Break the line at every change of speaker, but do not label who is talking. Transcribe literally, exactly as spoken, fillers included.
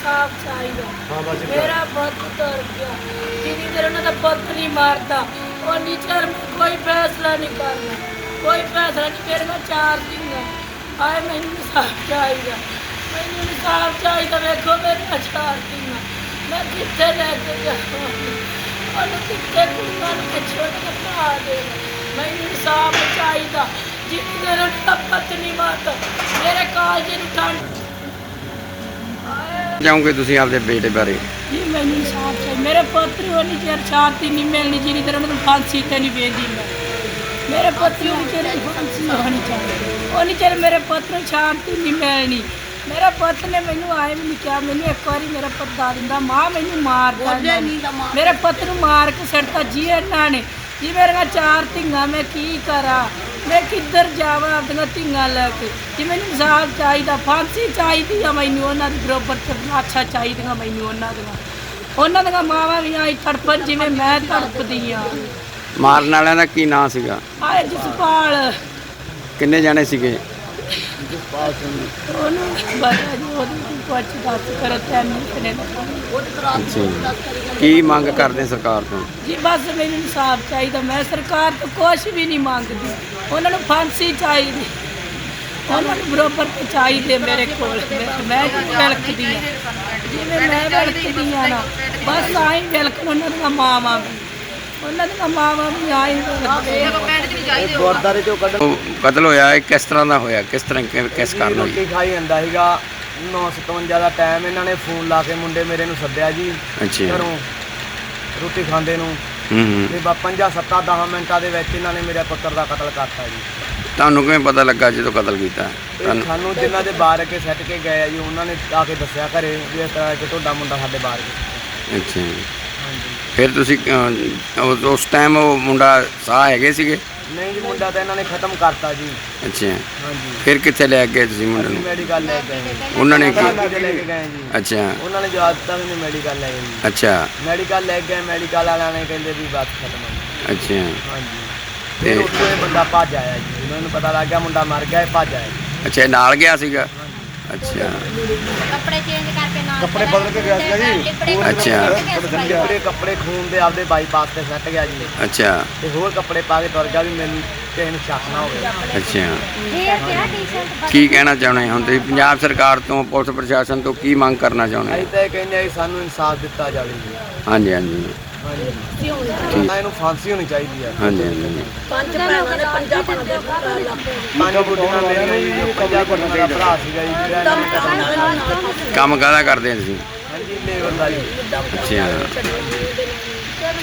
इंसाफ चाहिए। मेरा पुत तुर गया, जिन्नी देर उन्होंने पुत नहीं मारता उन्नी चਿਰ कोई फैसला नहीं करना, कोई फैसला नहीं। मेरे को चार दिन आए, मैंने इंसाफ चाहिए, मैंने इंसाफ चाहिए। वेखो मेरे चार दिन मैं कितने लैके जाऊँ, कितने कुड़ियां छोड़ के पा दे। मैंने इंसाफ चाहिए, जिन्नी देर उन्होंने पुत नहीं मारता मेरे कालजे ਨੂੰ ठंड
ਚਾਹੋਗੇ ਤੁਸੀਂ ਆਪਦੇ ਬੇਟੇ ਬਾਰੇ?
जी मैंने इंसाफ चाहिए। मेरे पुत्र उन्नी चेर शांति नहीं मिलनी जिन्नी देर उन्होंने फांसी ते नहीं भेजी। मैं मेरे पुत्र उन्नी चेर फांसी होनी चाहिए, उन्नी चेर मेरे पुत्र ਨੂੰ शांति नहीं मिलनी। मेरे पुत्र ने मैनू आए भी नहीं कहा, मैनू एक बार मेरा पुत दा दिंदा मां मैनू मारदा, मेरे पुत्र ਨੂੰ मार के सड़ता जी इन्हां ने। जी मेरे चार धिंगा मैं की करा, मैं किधर जावा अपनी धिंगा लैके। जी मैनू इंसाफ चाहिए, फांसी चाहिए आ मैनू, उन्होंने बरोबर अच्छा चाहिए मैनू। उन्होंने उन्होंने मावां भी आई तड़पन जिवें मैं तड़पदी हाँ।
ਮਾਰਨ ਵਾਲਿਆਂ ਦਾ ਕੀ ਨਾਂ ਸੀਗਾ?
आए जसपाल,
ਕਿੰਨੇ ਜਾਣੇ ਸੀਗੇ?
ਉਹਨੂੰ ਪਤਾ ਜੀ, ਉਹਦੀ ਕੁਛ ਦੱਸ ਕਰੋ ਤੈਨੂੰ ਕਿਨੇ
ਅੱਛਾ ਜੀ। ਕੀ ਮੰਗ ਕਰਦੇ ਸਰਕਾਰ ਤੋਂ?
ਜੀ ਬਸ ਮੈਨੂੰ ਇਨਸਾਫ ਚਾਹੀਦਾ। ਮੈਂ ਸਰਕਾਰ ਤੋਂ ਕੁਛ ਵੀ ਨਹੀਂ ਮੰਗਦੀ, ਉਹਨਾਂ ਨੂੰ ਫਾਂਸੀ ਚਾਹੀਦੀ, ਉਹਨਾਂ ਨੂੰ ਬਰੋਬਰ ਤੇ ਚਾਹੀਦੇ ਮੇਰੇ ਕੋਲ। ਮੈਂ ਵਿਲਕਦੀ ਹਾਂ, ਜਿਵੇਂ ਮੈਂ ਵਿਲਕਦੀ ਹਾਂ ਨਾ ਬਸ ਆਈ ਵਿਲਕਣ ਉਹਨਾਂ ਦੀਆਂ ਮਾਵਾਂ ਵੀ, ਉਹਨਾਂ ਦੀਆਂ ਮਾਵਾਂ ਵੀ ਆਈ
ਗੁਰਦਾਰੇ ਚੋਂ ਕੱਢ
ਉਹ ਕਤਲ ਹੋਇਆ ਇਹ ਕਿਸ ਤਰ੍ਹਾਂ ਦਾ ਹੋਇਆ, ਕਿਸ ਤਰ੍ਹਾਂ ਕਿ- ਕਿਸ ਕਾਰਨ ਹੋਈ?
ਰੋਟੀ ਖਾਈ ਜਾਂਦਾ ਸੀਗਾ, ਨੌ ਸਤਵੰਜਾ ਦਾ ਟਾਈਮ। ਇਹਨਾਂ ਨੇ ਫੋਨ ਲਾ ਕੇ ਮੁੰਡੇ ਮੇਰੇ ਨੂੰ ਸੱਦਿਆ ਜੀ
ਅੱਛਾ।
ਘਰੋਂ ਰੋਟੀ ਖਾਂਦੇ ਨੂੰ,
ਹੂੰ ਹੂੰ।
ਤੇ ਬਾ ਪੰਜਾਂ ਸੱਤਾਂ ਦਸਾਂ ਮਿੰਟਾਂ ਦੇ ਵਿੱਚ ਇਹਨਾਂ ਨੇ ਮੇਰੇ ਪੁੱਤਰ ਦਾ ਕਤਲ ਕਰਤਾ ਜੀ।
ਤੁਹਾਨੂੰ ਕਿਵੇਂ ਪਤਾ ਲੱਗਾ ਜਦੋਂ ਕਤਲ ਕੀਤਾ?
ਇਹ
ਤੁਹਾਨੂੰ
ਸਾਨੂੰ ਜਿਨ੍ਹਾਂ ਦੇ ਬਾਹਰ ਕੇ ਸੱਟ ਕੇ ਗਏ ਆ ਜੀ, ਉਹਨਾਂ ਨੇ ਆ ਕੇ ਦੱਸਿਆ ਘਰੇ ਵੀ ਇਸ ਤਰ੍ਹਾਂ ਕਿ ਤੁਹਾਡਾ ਮੁੰਡਾ ਸਾਡੇ ਬਾਹਰ ਗਿਆ।
ਅੱਛਾ ਜੀ।
ਹਾਂਜੀ।
ਫਿਰ ਤੁਸੀਂ ਅਹ, ਉਸ- ਉਸ ਟਾਈਮ ਉਹ ਮੁੰਡਾ ਸਾਹ ਹੈਗੇ ਸੀਗੇ?
ਨਹੀਂ ਜੀ, ਮੁੰਡਾ ਤਾਂ ਇਹਨਾਂ ਨੇ ਖਤਮ ਕਰਤਾ ਜੀ।
ਅੱਛਾ।
ਹਾਂਜੀ।
ਫਿਰ ਕਿੱਥੇ ਲੈ ਗਏ ਤੁਸੀਂ ਮੁੰਡੇ
ਅਸੀਂ
ਨੂੰ?
ਮੈਡੀਕਲ ਲੈ ਕੇ ਗਏ ਜੀ।
ਉਹਨਾਂ ਨੇ ਕੀ?
ਮੈਡੀਕਲ ਲੈ ਕੇ ਗਏ ਜੀ।
ਅੱਛਾ
ਉਹਨਾਂ ਨੇ ਜਵਾਬ ਦਿੱਤਾ ਵੀ ਮੈਡੀਕਲ ਲੈ ਗਏ ਜੀ।
ਅੱਛਾ
ਮੈਡੀਕਲ ਲੈ ਗਏ, ਮੈਡੀਕਲ ਵਾਲਿਆਂ ਨੇ ਕਹਿੰਦੇ ਵੀ ਬਸ ਖਤਮ ਹੋ
ਅੱਛਾ।
ਗਿਆ। ਹਾਂਜੀ।
ਤੇ
ਤੇ ਉੱਥੋਂ ਇਹ ਬੰਦਾ ਭੱਜ ਆਇਆ ਜੀ, ਉਹਨਾਂ ਨੂੰ ਪਤਾ ਲੱਗ ਗਿਆ ਮੁੰਡਾ ਮਰ ਗਿਆ, ਇਹ ਭੱਜ ਆਇਆ ਜੀ।
ਅੱਛਾ ਇਹ ਨਾਲ ਗਿਆ ਸੀਗਾ? ਅੱਛਾ
ਕੱਪੜੇ ਚੇਂਜ ਕਰਕੇ ਨਾਲ
ਕੱਪੜੇ ਬਦਲ ਕੇ ਗਿਆ ਸੀਗਾ ਜੀ।
ਅੱਛਾ।
ਕੱਪੜੇ ਕੱਪੜੇ ਖੂਨ ਦੇ ਆਪਦੇ ਬਾਈਪਾਸ ਤੇ ਸੱਟ ਗਿਆ ਜੀ,
ਅੱਛਾ
ਤੇ ਹੋਰ ਕੱਪੜੇ ਪਾ ਕੇ ਤੁਰ ਗਿਆ ਵੀ ਮੈਨੂੰ ਕਿਸੇ ਨੂੰ ਸ਼ੱਕ ਨਾ ਹੋਵੇ।
ਅੱਛਾ।
ਇਹ ਕਿਹੜਾ ਟੀ-ਸ਼ਰਟ
ਕੀ ਕਹਿਣਾ ਚਾਹੁੰਦੇ ਹੁਣ ਤੁਸੀਂ ਪੰਜਾਬ ਸਰਕਾਰ ਤੋਂ, ਪੁਲਿਸ ਪ੍ਰਸ਼ਾਸਨ ਤੋਂ ਕੀ ਮੰਗ ਕਰਨਾ ਚਾਹੁੰਦੇ
ਅਸੀਂ
ਹੋ?
ਤਾਂ ਇਹ ਕਹਿੰਦੇ ਆ ਵੀ ਸਾਨੂੰ ਇਨਸਾਫ ਦਿੱਤਾ ਜਾਵੇ ਜੀ।
ਹਾਂਜੀ ਹਾਂਜੀ
ਹਾਂਜੀ।
ਠੀਕ।
ਨਾ ਇਹਨੂੰ ਫਾਂਸੀ ਹੋਣੀ ਚਾਹੀਦੀ ਆ।
ਹਾਂਜੀ ਹਾਂਜੀ
ਪੰਜ ਭੈਣਾਂ ਨੇ ਪੰਜਾਂ ਭੈਣਾਂ ਦੇ
ਪੰਜ ਗੁੱਡੀਆਂ ਮੇਰੀਆਂ ਜੀ, ਜੋ ਪੰਜਾਂ ਗੁੱਡੀਆਂ ਦਾ ਭਰਾ ਸੀਗਾ ਜੀ, ਜਿਹੜਾ ਇਹਨਾਂ ਨੇ ਕਤਲ ਕੀਤਾ।
ਕੰਮ ਕਾਹਦਾ ਕਰਦੇ ਹੋ ਤੁਸੀਂ?
ਹਾਂਜੀ, ਲੇਬਰ ਦਾ ਜੀ।
ਅੱਛਾ।